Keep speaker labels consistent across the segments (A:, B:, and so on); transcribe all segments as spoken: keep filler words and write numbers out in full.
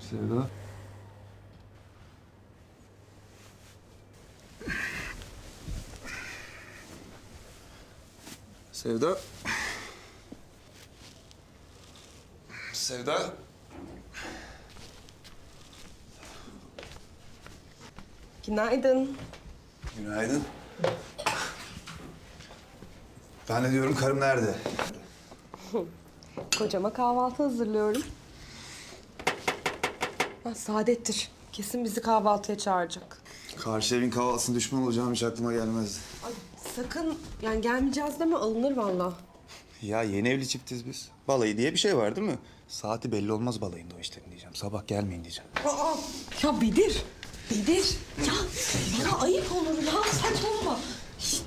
A: Sevda. Sevda. Sevda.
B: Günaydın.
A: Günaydın. Ben de diyorum karım nerede?
B: Kocama kahvaltı hazırlıyorum. Ha, Saadettir. Kesin bizi kahvaltıya çağıracak.
A: Karşı evin kahvaltısına düşman olacağım hiç aklıma gelmezdi.
B: Ay, sakın yani gelmeyeceğiz deme, alınır vallahi.
A: Ya yeni evli çiftiz biz. Balayı diye bir şey var değil mi? Saati belli olmaz balayında o işlerin diyeceğim. Sabah gelmeyin diyeceğim.
B: Aa, ya Bedir. Bedir. Ya bana ayıp olur ya. Saçmalama. Şişt.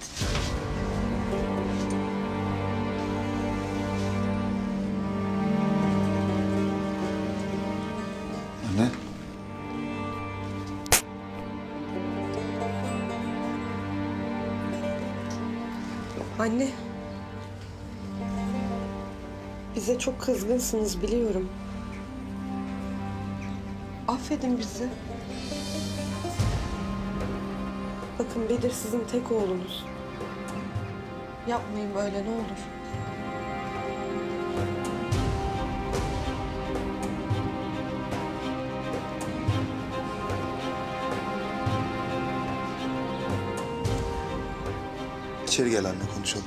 A: Anne.
B: Anne. Bize çok kızgınsınız biliyorum. Affedin bizi. Bakın Bedir sizin tek oğlunuz. Yapmayın böyle ne olur.
A: İçeri gel anne konuşalım.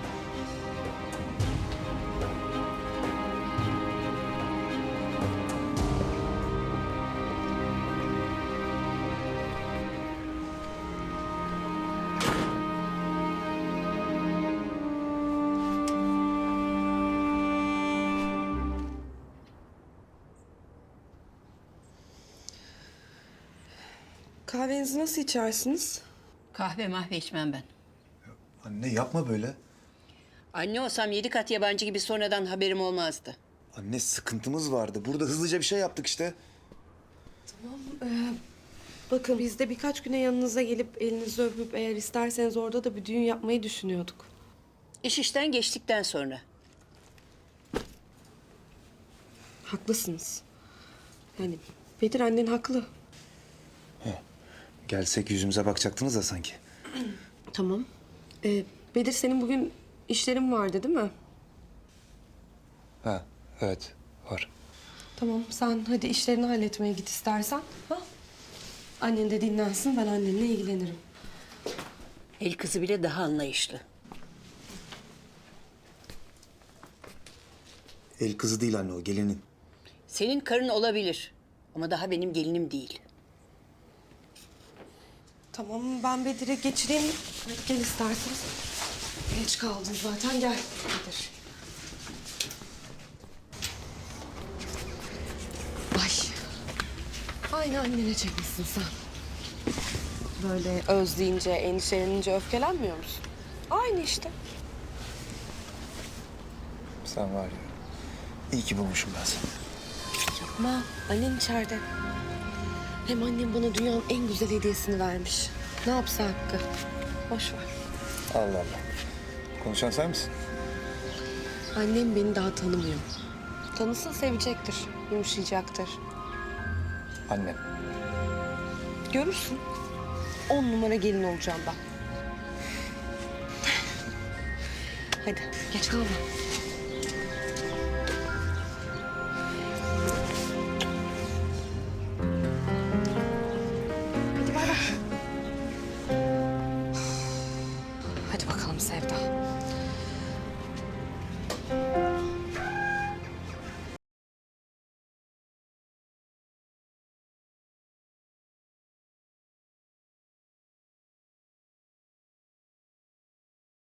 B: Kahvenizi nasıl içersiniz?
C: Kahve mahve içmem ben.
A: Anne yapma böyle.
C: Anne olsam yedi kat yabancı gibi sonradan haberim olmazdı.
A: Anne sıkıntımız vardı. Burada hızlıca bir şey yaptık işte.
B: Bakın biz de birkaç güne yanınıza gelip elinizi öpüp eğer isterseniz orada da bir düğün yapmayı düşünüyorduk.
C: İş işten geçtikten sonra.
B: Haklısınız. Yani Bedir annen haklı.
A: Gelsek yüzümüze bakacaktınız da sanki.
B: Tamam. Ee, Bedir senin bugün işlerin vardı değil mi?
A: Ha evet var.
B: Tamam sen hadi işlerini halletmeye git istersen. Ha? Annen de dinlensin ben annenle ilgilenirim.
C: El kızı bile daha anlayışlı.
A: El kızı değil anne o gelinin.
C: Senin karın olabilir ama daha benim gelinim değil.
B: Tamam ben Bedir'i geçireyim. Hadi gel istersen. Geç kaldın zaten gel Bedir. Ay. Aynı annene çekmişsin sen. Böyle özleyince, endişelenince öfkelenmiyor musun? Aynı işte.
A: Sen var ya. İyi ki bulmuşum ben seni.
B: Yapma. Annen içeride. Hem annem bana dünyanın en güzel hediyesini vermiş. Ne yapsa hakkı. Boş ver.
A: Allah Allah. Konuşan sen misin?
B: Annem beni daha tanımıyor. Tanısın sevecektir, yumuşayacaktır.
A: Annem.
B: Görürsün. On numara gelin olacağım ben. Hadi geç kalma.